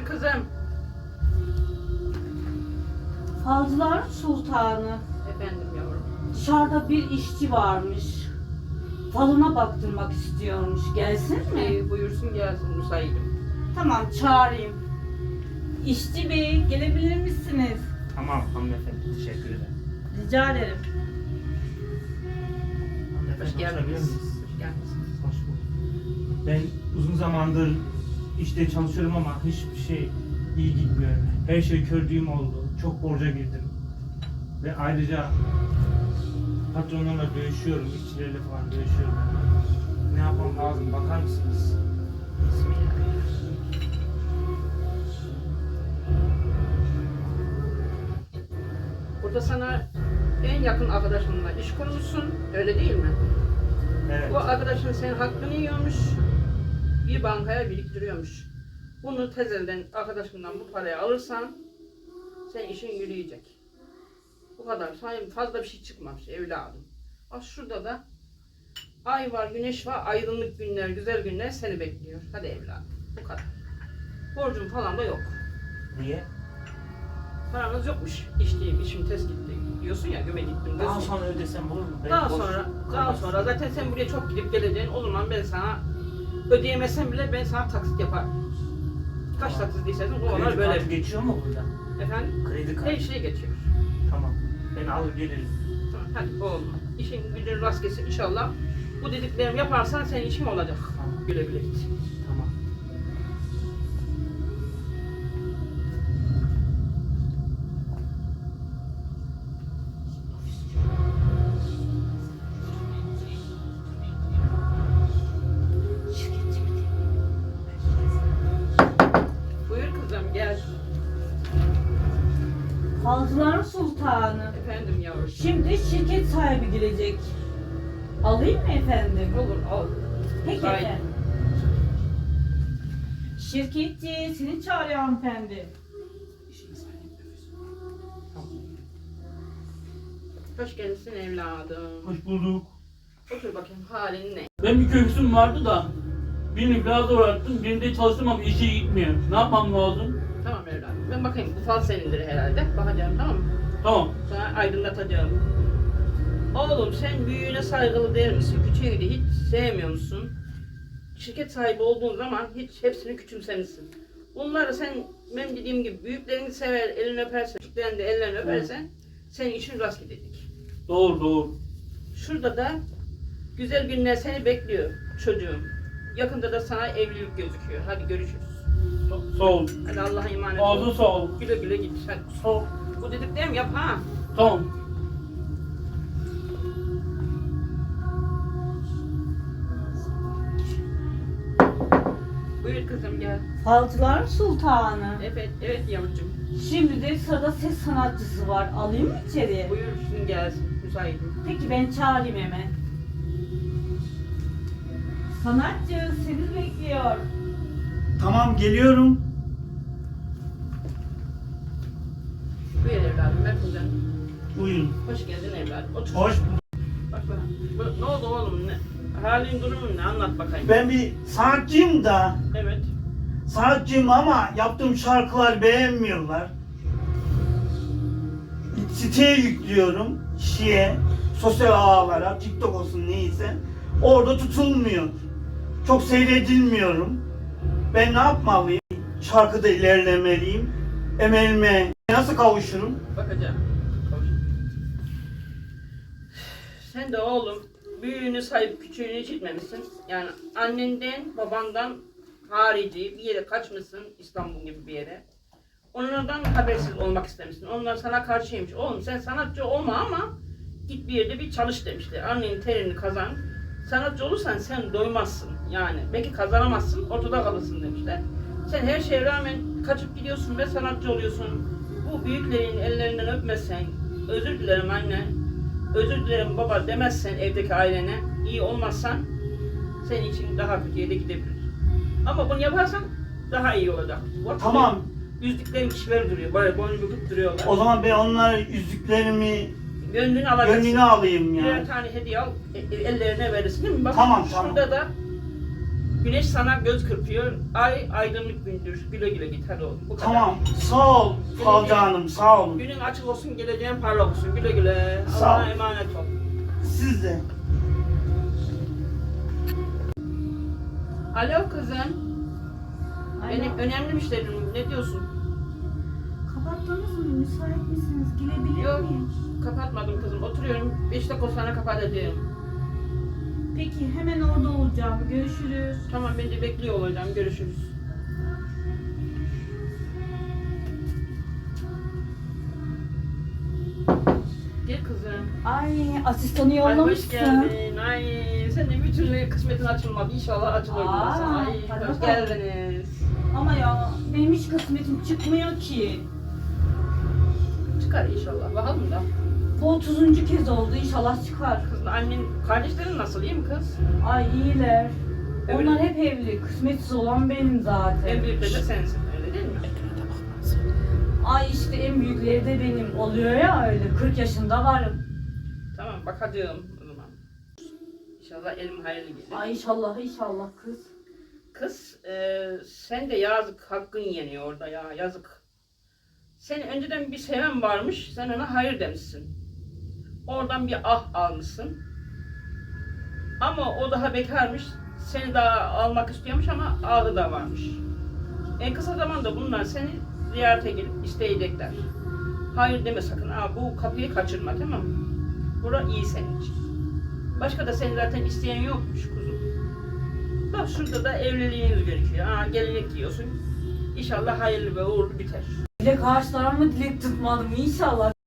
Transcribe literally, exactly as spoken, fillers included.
Buyur kızım. Falcılar Sultanı. Efendim yavrum. Dışarıda bir işçi varmış. Falına baktırmak istiyormuş. Gelsin mi? Ee, buyursun gelsin müsaitim. Tamam, çağırayım. İşçi bey, gelebilir misiniz? Tamam hanımefendi, teşekkür ederim. Rica ederim. Hanımefendi, Hoş geldiniz. oturabilir miyiz? Hoş geldiniz. Hoş bulduk. Ben uzun zamandır işte çalışıyorum ama hiçbir şey iyi gitmiyor. Her şey kördüğüm oldu. Çok borca girdim. Ve ayrıca patronlarla dövüşüyorum, işçilerle falan dövüşüyorum. Ne yapmam lazım, bakar mısınız? Bismillahirrahmanirrahim. Burada sana en yakın arkadaşınla iş kurmuşsun, öyle değil mi? Evet. Bu arkadaşın senin hakkını yiyormuş, bir bankaya biriktiriyormuş. Bunu tezelden arkadaşından bu parayı alırsan, senin işin yürüyecek. Bu kadar. Sana fazla bir şey çıkmamış evladım. Bak şurada da ay var, güneş var, aydınlık günler, güzel günler seni bekliyor. Hadi evladım. Bu kadar. Borcun falan da yok. Niye? Paranız yokmuş. İşteyim, işim tez gitti. Diyorsun ya, güme gittim. Daha diyorsun. sonra ödesem olur mu? Ben Daha borç sonra, daha kalmaz. sonra zaten sen buraya çok gidip geleceksin. O zaman ben sana ödeyemezsem bile ben sana taksit yaparım. Kaç Tamam. taksit istersen o Kredi onlar böyle. kartı geçiyor mu burada? Efendim? Kredi kartı. Her şey geçiyor. Tamam. Ben alır gelirim. Tamam, hadi oğlum. İşin gücün rast gelsin inşallah. Bu dediklerimi yaparsan senin işin olacak. Tamam. Güle güle git. Tamam. Buyur kızım gel. Falcılar Sultanı. Efendim yavrum. Şimdi şirket sahibi gelecek. Alayım mı efendim? Olur al. Peki Müsait. efendim. Şirketçi, seni çağırıyor hanımefendi. Hoş geldin evladım. Hoş bulduk. Otur bakayım halin ne? Ben bir köksüm vardı da birini biraz uğrattım, birinde çalıştım ama işe gitmiyor. Ne yapmam lazım? Tamam evladım. Ben bakayım bu fal senindir herhalde. Bakacağım tamam mı? Tamam. Sana aydınlatacağım. Oğlum sen büyüğüne saygılı değil misin? Küçüğünü de hiç sevmiyor musun? Şirket sahibi olduğun zaman hiç hepsini küçümsemişsin. Bunları sen benim dediğim gibi büyüklerini sever, elini öpersen, küçüklerini de ellerini öpersen senin işin rast gidecek. Doğru doğru. Şurada da güzel günler seni bekliyor çocuğum. Yakında da sana evlilik gözüküyor. Hadi görüşürüz. Sa- sağ ol. Hadi Allah'a emanet Ağzın ol. sağ ol. Güle güle git. Hadi. Sağ ol. Bu dediklerimi yap ha. Tamam. Buyur kızım gel. Falcılar Sultanı. Evet, evet yavrucuğum. Şimdi de sırada ses sanatçısı var. Alayım mı içeriye? Buyursun gelsin. Müsaitim. Peki ben çağırayım hemen. Sanatçı seni bekliyor. Tamam geliyorum. Buyur evladım. Ver kuzenim. Buyurun. Hoş geldin evladım. Otur. Hoş bulduk. Bak bana. Bu- Ne oldu oğlum? Ne? Halin durumun ne? Anlat bakayım. Ben bir sanatçıyım da, Evet. sanatçıyım ama yaptığım şarkılar beğenmiyorlar. Siteye yüklüyorum, şiye, sosyal ağlara, TikTok olsun neyse. Orada tutulmuyor. Çok seyredilmiyorum. Ben ne yapmalıyım? Şarkıda ilerlemeliyim. Emelime nasıl kavuşurum? Bakacağım. Konuş. Sen de oğlum büyüğünü sayıp küçüğünü hiç gitmemişsin. Yani annenden, babandan harici bir yere kaçmışsın, İstanbul gibi bir yere. Onlardan habersiz olmak istemişsin. Onlar sana karşıymış. Oğlum sen sanatçı olma ama git bir yerde bir çalış demişler. Annenin terini kazan. Sanatçı olursan sen doymazsın. Yani belki kazanamazsın, ortada kalırsın demişler. Sen her şeye rağmen kaçıp gidiyorsun ve sanatçı oluyorsun. Bu büyüklerin ellerinden öpmezsen, özür dilerim anne, özür dilerim baba demezsen evdeki ailene, iyi olmazsan senin için daha kötüye de gidebilir. Ama bunu yaparsan daha iyi olacak. Bak, Tamam. yüzlüklerin kişileri duruyor, böyle boynu büküp duruyorlar. O zaman ben onlara yüzüklerimi, Gönlünü alacaksın. gönlünü alayım Birer yani. tane hediye al, e- e- ellerine verirsin değil mi? Bak Tamam, şurada tamam. da Güneş sana göz kırpıyor. Ay aydınlık gündür. Güle güle git hadi oğlum. Bu kadar. Tamam. Sağ ol Falcı Hanım. Sağ olun. Günün açık olsun, geleceğin parlak olsun. Güle güle. Sağ Allah'a ol. emanet ol. Siz de. Alo kızım. Benim önemli müşterim. Ne diyorsun? Kapattınız mı? Müsait misiniz? Girebilir Yok. miyim? Kapatmadım kızım. Oturuyorum. Beş dakika sonra kapatacağım. Peki hemen orada olacağım. Görüşürüz. Tamam ben de bekliyor olacağım. Görüşürüz. Gel kızım. Ay asistanı Ay hoş yollamışsın. geldin. Ay sen de bir türlü kısmetin açılmadı. İnşallah açılır. Aa, burası. Ay hadi hoş bakalım. geldiniz. Ama ya benim hiç kısmetim çıkmıyor ki. Çıkar inşallah. Bakalım da. Bu otuzuncu kez oldu, inşallah çıkar. Kızın annen, kardeşlerin nasıl? İyi mi kız? Ay iyiler. Evet. Onlar hep evli. Kısmetsiz olan benim zaten. En büyükleri de sensin. Öyle değil mi? Ay işte en büyükleri de benim. Oluyor ya öyle. kırk yaşında varım. Tamam bakacağım o zaman. İnşallah elim hayırlı gelir. Ay inşallah inşallah kız. Kız e, sen de yazık hakkın yeniyor orada ya yazık. Senin önceden bir seven varmış, sen ona hayır demişsin. Oradan bir ah almışsın. Ama o daha bekarmış, seni daha almak istiyormuş ama ahı da varmış. En kısa zamanda bunlar seni ziyarete gelip isteyecekler. Hayır deme sakın, aa, bu kapıyı kaçırma tamam mı? Bura iyi senin için. Başka da seni zaten isteyen yokmuş kuzum. Bak şurada da evliliğiniz gerekiyor. Aa, gelinlik giyiyorsun. İnşallah hayırlı ve uğurlu biter. Dilek ağaçlarımı dilek tutmadım inşallah.